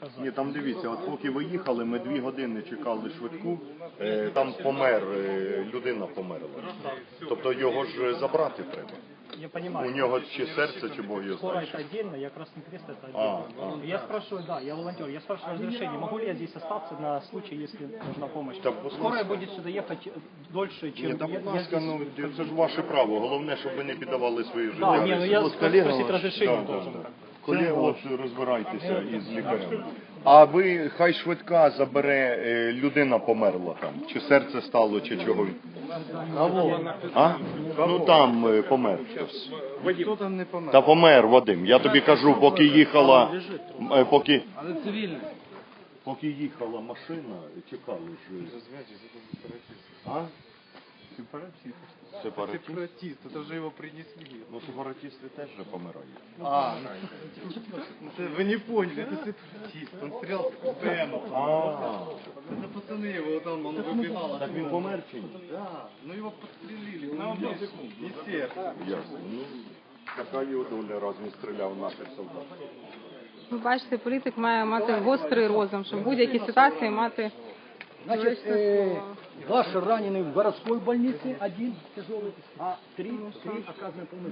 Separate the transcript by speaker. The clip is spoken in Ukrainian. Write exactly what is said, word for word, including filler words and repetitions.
Speaker 1: сказать.
Speaker 2: Ні, там дивіться, от поки ви їхали, ми дві години чекали швидку, е, там помер, е, людина померла. Тобто його ж забрати треба.
Speaker 1: Я
Speaker 2: У
Speaker 1: понимаю.
Speaker 2: нього чи серце, чи Бог його
Speaker 1: Скоро
Speaker 2: знає.
Speaker 1: это отдельно, я Красный Крест это
Speaker 2: А,
Speaker 1: отдельно. Я спрашиваю, да, я волонтер, я спрашиваю разрешение, могу ли я здесь остаться на случай, если нужна помощь.
Speaker 2: Так, будь
Speaker 1: Скорая
Speaker 2: ласка.
Speaker 1: будет сюда ехать дольше, чем
Speaker 2: Ні, та
Speaker 1: я,
Speaker 2: будь
Speaker 1: я
Speaker 2: ласка,
Speaker 1: здесь.
Speaker 2: ну це ж ваше право. Головне, щоб ви не піддавали свої життя.
Speaker 1: Да, не, ну я
Speaker 2: ризику.
Speaker 1: спросить разрешение
Speaker 2: Да, да,
Speaker 1: должен.
Speaker 2: да. Коли от розбирайтеся із лікарем. А ви, хай швидка забере, е, людина померла там, чи серце стало, чи чого. А? Ну там е, помер хтось.
Speaker 3: Хто там не помер?
Speaker 2: Та помер Вадим. Я тобі кажу, поки їхала, е, поки,
Speaker 3: Але цивільний.
Speaker 2: поки їхала машина, чекали ж. А? Сепаратисти. Сепаратисти?
Speaker 3: Сепаратист, это же его принесли.
Speaker 2: Ну сепаратисти теж же помирають.
Speaker 3: А, это вы не поняли, это сепаратист. Он стрелял с ПМ.
Speaker 2: А,
Speaker 3: Это пацаны его там, он выбегал.
Speaker 2: так він помер чи ні?
Speaker 3: Да, ну его подстрелили. На одну секунду. И сердце.
Speaker 2: Ясно. Ну, така його доля, раз він стріляв в наших солдат.
Speaker 4: Ви бачите, політик має мати гострий розум, щоб в будь-якій ситуації мати
Speaker 5: Значит,
Speaker 4: юридичне
Speaker 5: э,
Speaker 4: слово.
Speaker 5: ваш раненый в городской больнице, один тяжелый, а три, три оказаны помощь.